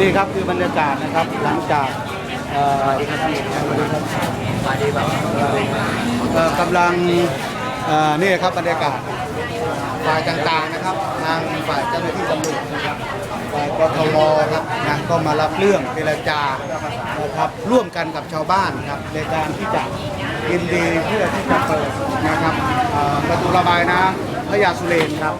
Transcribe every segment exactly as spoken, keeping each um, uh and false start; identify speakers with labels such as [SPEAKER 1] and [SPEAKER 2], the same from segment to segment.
[SPEAKER 1] นี่ครับคือบรรยากาศนะครับหลังจากกำลังนี่ครับบรรยากาศฝ่ายต่างๆนะครับทางฝ่ายเจ้าหน้าที่ตำรวจนะครับฝ่ายกทมครับนะก็มารับเรื่องเจรจานะครับร่วมกันกับชาวบ้านครับในการที่จะยินดีเพื่อที่จะเปิดนะครับประตูระบายน้ำพระยาสุเรนครับ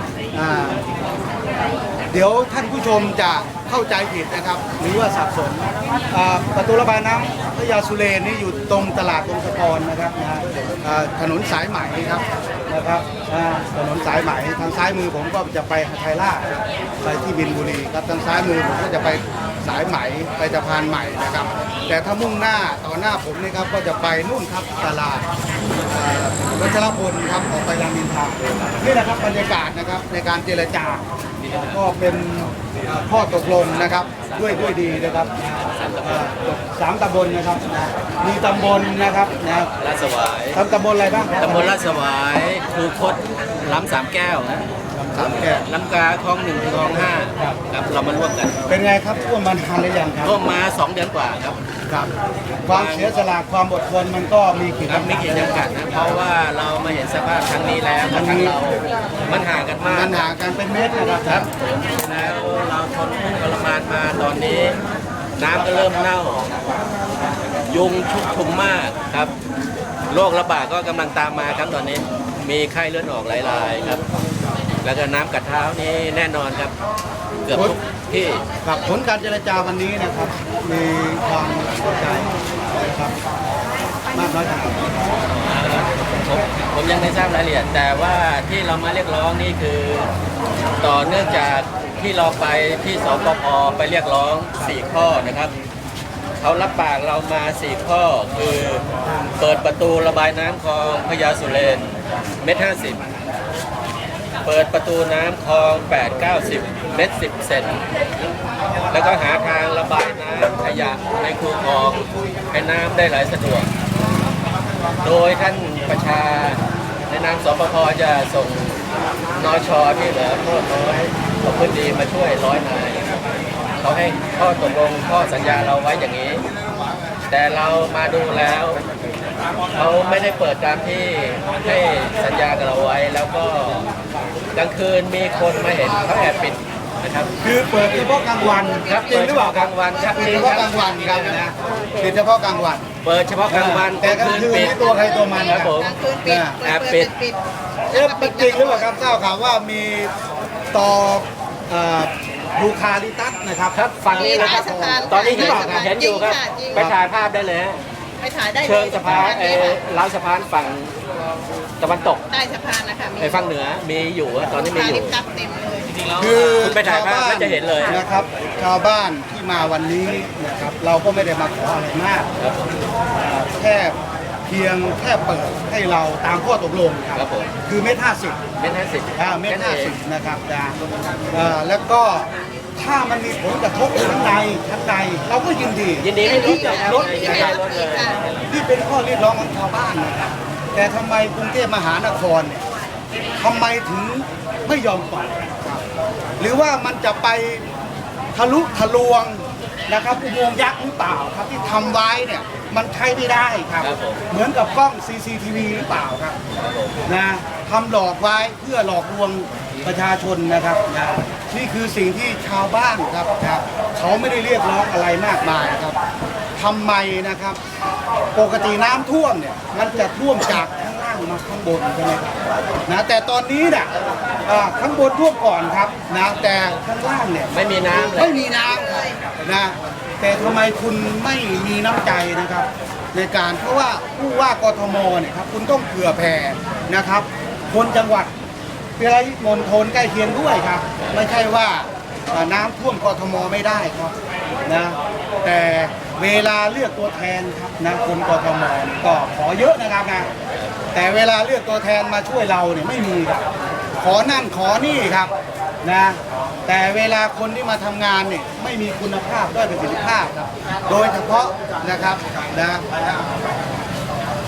[SPEAKER 1] เดี๋ยวท่านผู้ชมจะเข้าใจผิดนะครับหรือว่าสับสนประตูระบายน้ำพระยาสุเรนนี่อยู่ตรงตลาดตรงสะพรนะครับนะถนนสายไหมครับนะครับถนนสายไหมทางซ้ายมือผมก็จะไปไทยราชไปที่บินบุรีครับทางซ้ายมือผมก็จะไปสายไหมไปสะพานใหม่นะครับแต่ถ้ามุ่งหน้าต่อหน้าผมนี่ครับก็จะไปนู่นครับตลาดวัชรพลครับออกไปรามอินทรานี่นะครับบรรยากาศนะครับในการเจรจาก็เป็นข้อตกลงนะครับด้วยด้วยดีนะครับสามตำบลนะครับมีตำบลนะครับนะ
[SPEAKER 2] ลาดสวาย
[SPEAKER 1] ทำตำบลอะไรบ้าง
[SPEAKER 2] ตำบลลาดสวายคูคตล้ำสามแก้วนะ
[SPEAKER 1] สามแก้ว
[SPEAKER 2] ล้ำกาคลองหนึ่งคลองห้าครับเรามาร่วมกัน
[SPEAKER 1] เป็นไงครับท่วมมานานหรือยังครับ
[SPEAKER 2] ท่วมมาสองเดือนกว่าครับ
[SPEAKER 1] ครับความเสียสละความอดทนมันก็มีขีดจำกัด
[SPEAKER 2] มีขีดจำกัดนะเพราะว่าเรามาเห็นสภาพครั้งนี้แล้วครั้งเรามันห่างกันมาก
[SPEAKER 1] มันห่างกันเป็นเมตรนะครับ
[SPEAKER 2] ครับแล้วเราทนทุกข์ทรมานมาตอนนี้น้ำก็เริ่มเน่ายุงชุกชุมมากครับโรคระบาดก็กำลังตามมาครับตอนนี้มีไข้เลือดออกหลายรายครับแล้วก็น้ำกัดเท้านี่แน่นอนครับเกือบทุกที่
[SPEAKER 1] กับผลการเจรจาวันนี้นะครับมีความพอใจนะครับมากน้อยขนาดไหน
[SPEAKER 2] ผมผมยังไม่ทราบรายละเอียดแต่ว่าที่เรามาเรียกร้องนี่คือต่อเนื่องจากที่เราไปที่สปภ.ไปเรียกร้องสี่ข้อนะครับเขารับปากเรามาสี่ข้อคือเปิดประตูระบายน้ำคลองพญาสุเรนเมตรห้าสิบเปิดประตูน้ำคลองแปด เก้าสิบเมตรสิบเซนแล้วก็หาทางระบายน้ำขยะในคูคลองให้น้ำได้ไหลสะดวกโดยท่านประชาในนามสปภ.จะส่งนช.ที่เหลือโทษน้อยของพื้นดีมาช่วยร้อยนายเขาให้ข้อตกลงข้อสัญญาเราไว้อย่างนี้ แต่เรามาดูแล้วเขาไม่ได้เปิดตามที่ให้สัญญากับเราไว้แล้วก็กลางคืนมีคนมาเห็นเขาแอบปิดนะครับ
[SPEAKER 1] คือเปิดเฉพาะกลางวัน
[SPEAKER 2] ครับ
[SPEAKER 1] จริงหรือเปล่าก
[SPEAKER 2] ลางวันครับ
[SPEAKER 1] เฉพาะกลางวันครับนะปิดเฉพาะกลางวัน
[SPEAKER 2] เปิดเฉพาะกลางวัน
[SPEAKER 1] แต่กลางคืนมีตัวใครตัวมัน
[SPEAKER 2] ครับผมแอบปิด
[SPEAKER 1] เอ๊ะจริงหรือเปล่าครับทราบข่าวว่ามีต่อยูคาลิตัสนะครับ
[SPEAKER 2] ครับฝั่งนี้นะครับตอนนี้ที่บอกเห็นอยู่ครับไปถ่ายภาพได้เลย
[SPEAKER 3] ไปถ่ายได้
[SPEAKER 2] เชิงสะพานเออล้าวสะพานฝั่งตะวันตก
[SPEAKER 3] ใต้สะพานนะคะ
[SPEAKER 2] ไอ้ฝั่งเหนือมีอยู่ตอนนี้มีอยู่
[SPEAKER 1] คือ
[SPEAKER 2] ไปถ่ายภาพก็จะเห็นเลย
[SPEAKER 1] นะครับชาวบ้านที่มาวันนี้นะครับเราก็ไม่ได้มาขออะไรมากแค่เพียงแค่เปิดให้เราตามข้อตกลงครับคือเมตรห้าสิบ
[SPEAKER 2] เมตรห้าสิบ
[SPEAKER 1] เมตรห้าสิบนะครับแล้วก็ถ้ามันมีผลกระทบทั้งในทั้งในเราก็ยินดี
[SPEAKER 2] ยินดีให้ลด
[SPEAKER 1] ลดที่เป็นข้อเรียกร้องของชาวบ้านนะครับแต่ทำไมกรุงเทพมหานครเนี่ยทำไมถึงไม่ยอมปล่อยหรือว่ามันจะไปทะลุทะลวงนะครับอุโมงค์ยักษ์หรือเปล่าครับที่ทำไว้เนี่ยมันใช้ไม่ได้ครับเหมือนกับกล้อง ซี ซี ที วี หรือเปล่าครับนะทำหลอกไว้เพื่อหลอกลวงประชาชนนะครับนะนี่คือสิ่งที่ชาวบ้านครับครับเขาไม่ได้เรียกร้องอะไรมากมายครับทำไมนะครับปกติน้ำท่วมเนี่ยมันจะท่วมจากข้างล่างมาข้างบนใช่ไหมครับนะแต่ตอนนี้เนี่ยข้างบนท่วมก่อนครับนะแต่ข้างล่างเนี่ย
[SPEAKER 2] ไม่มีน้ำ
[SPEAKER 1] ไม่มีน้ำนะแต่ทำไมคุณไม่มีน้ำใจนะครับในการเพราะว่าผู้ว่ากทมเนี่ยครับคุณต้องเผื่อแผ่นะครับคนจังหวัดปริมณฑลใกล้เคียงด้วยครับไม่ใช่ว่าน้ำท่วมกทมไม่ได้ครับนะแต่เวลาเลือกตัวแทนครับนะคนกทมก็ขอเยอะนะครับนะแต่เวลาเลือกตัวแทนมาช่วยเราเนี่ยไม่มีครับขอนั่นขอนี่ครับนะแต่เวลาคนที่มาทำงานเนี่ยไม่มีคุณภาพด้วยประสิทธิภาพครับโดยเฉพาะนะครับนะ